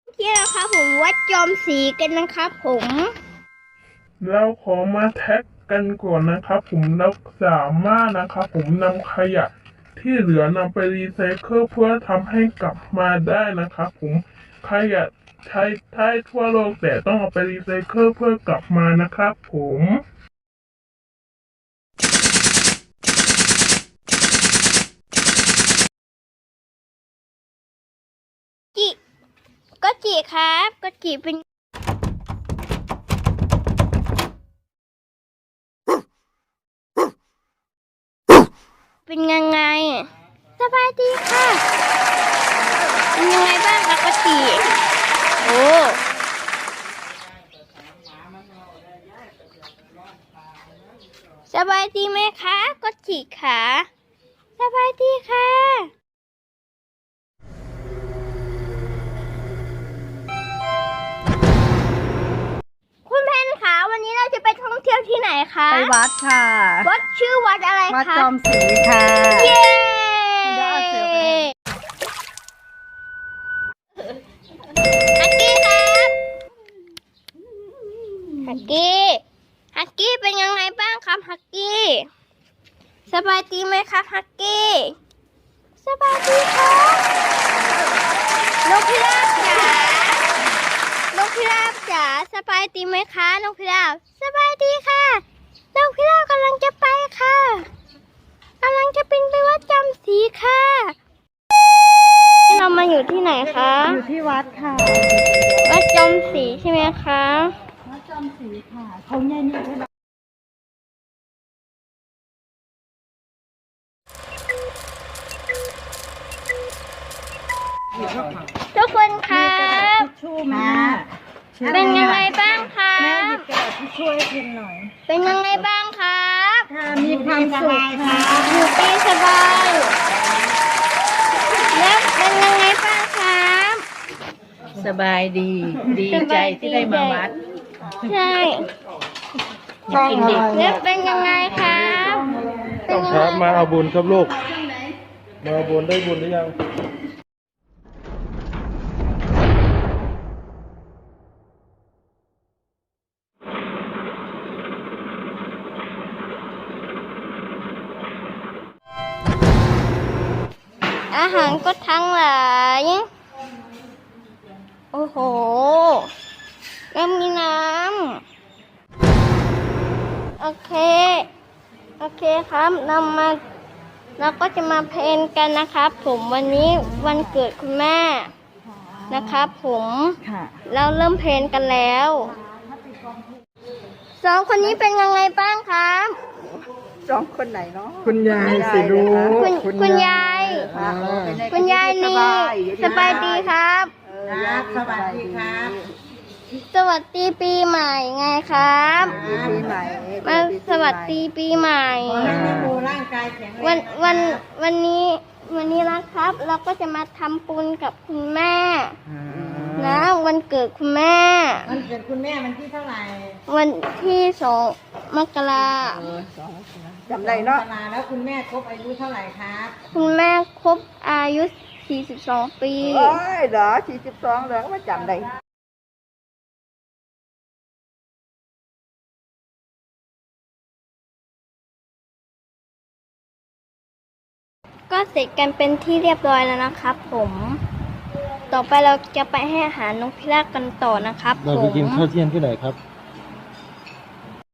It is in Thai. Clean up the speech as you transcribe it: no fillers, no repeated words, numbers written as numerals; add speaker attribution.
Speaker 1: ที่นะครับผมวัดจอมศรีกันนะครับผม
Speaker 2: เราขอมาแท็กกันก่อนนะครับผมเราสามารถนะครับผมนำขยะที่เหลือนำไปรีไซเคิลเพื่อทำให้กลับมาได้นะครับผมขยะใช้ทั่วโลกแต่ต้องเอาไปรีไซเคิลเพื่อกลับมานะครับผม
Speaker 1: ก็จีครับก็จีเป็นยังไงสบายดีค่ะเป็นยังไงบ้างคะก็จีโอ้สบายดีไหมคะก็จีค่ะสบายดีค่ะคุณเพนคะวันนี้เราจะไปท่องเที่ยวที่ไหนคะ
Speaker 3: ไปวัดค่ะ
Speaker 1: วัดชื่อวัดอะไรคะ
Speaker 3: วัดจอมศรีค่ะ
Speaker 1: เย้
Speaker 3: เดี๋ยวเอาเสือไป
Speaker 1: ฮักกี้ครับฮักกี้เป็นยังไงบ้างครับฮักกี้สบายดีไหมครับฮักกี้สบายดีครับนกพิราบจ๋าสบายดีไหมคะนกพิราบสบายดีค่ะนกพิราบกำลังจะไปค่ะกำลังจะบินไปวัดจอมศรีค่ะเรามาอยู่ที่ไหนคะ
Speaker 3: อยู่ที่วัดค่ะ
Speaker 1: วัดจอมศรีใช่ไหมคะ
Speaker 3: วัดจอมศรีค่ะเขาใหญ่นี่ใช่ไหม
Speaker 1: ทุกคนครับ
Speaker 3: ชูมา
Speaker 1: เป็นยังไงบ้างครั
Speaker 3: แม่หยิ
Speaker 1: บบ
Speaker 3: กระดาษที่ช่วยพิมพ์หน่อย
Speaker 1: เป็นยังไงบ้างครับ
Speaker 3: ค่ะมีความสุขค่ะ
Speaker 1: อยู่ดีสบายแล้วเป็นยังไงบ้างครับ
Speaker 4: สบายดี ดีใจที่ได้มาวัด
Speaker 1: ใช่
Speaker 4: กินดี
Speaker 1: แล้วเป็นยังไงครับเป็นยัง
Speaker 5: ค
Speaker 1: ไง
Speaker 5: รับมาเอาบุญครับลูก มาเอาบุญได้บุญหรือยัง
Speaker 1: อาหารก็ทั้งหลายโอ้โหแล้วมีน้ำโอเคครับเราก็จะมาเพลนกันนะครับผมวันนี้วันเกิดคุณแม่นะครับผม
Speaker 3: ค่ะ
Speaker 1: เราเริ่มเพลนกันแล้วสองคนนี้เป็นยังไงบ้างครับ
Speaker 3: สองคนไหนเนาะ
Speaker 2: คุณยายสิลูก
Speaker 1: คุณยาย คุณยายนี่สบายดีครับ
Speaker 3: สบายดีครับ
Speaker 1: สวัสดีปีใหม่ไงครับ
Speaker 3: ปีใหม่
Speaker 1: มาสวัสดีปีใหม่
Speaker 3: ดูร่างกายแข็งแรง
Speaker 1: วันนี้นะครับ เราก็จะมาทำบุญกับคุณแม่นะวันเกิดคุณแม่
Speaker 3: วันเกิดคุณแม่วันที่เท่าไหร่
Speaker 1: วันที่2 มกราคม
Speaker 3: จำได้เนาะแล้วคุณแม่ครบอายุเท่าไหร่ครับ
Speaker 1: คุณแม่ครบอายุ42 ปี
Speaker 3: โอ้ยเหรอ42เหรอว่าจำได้
Speaker 1: ก็เสร็จกันเป็นที่เรียบร้อยแล้วนะครับผม ต่อไปเราจะไปให้อาหารนกพิราบกันต่อนะครับ
Speaker 5: เรา
Speaker 1: ผ
Speaker 5: ไป
Speaker 1: ม
Speaker 5: กินข้าวเที่ยงที่ไหนครับ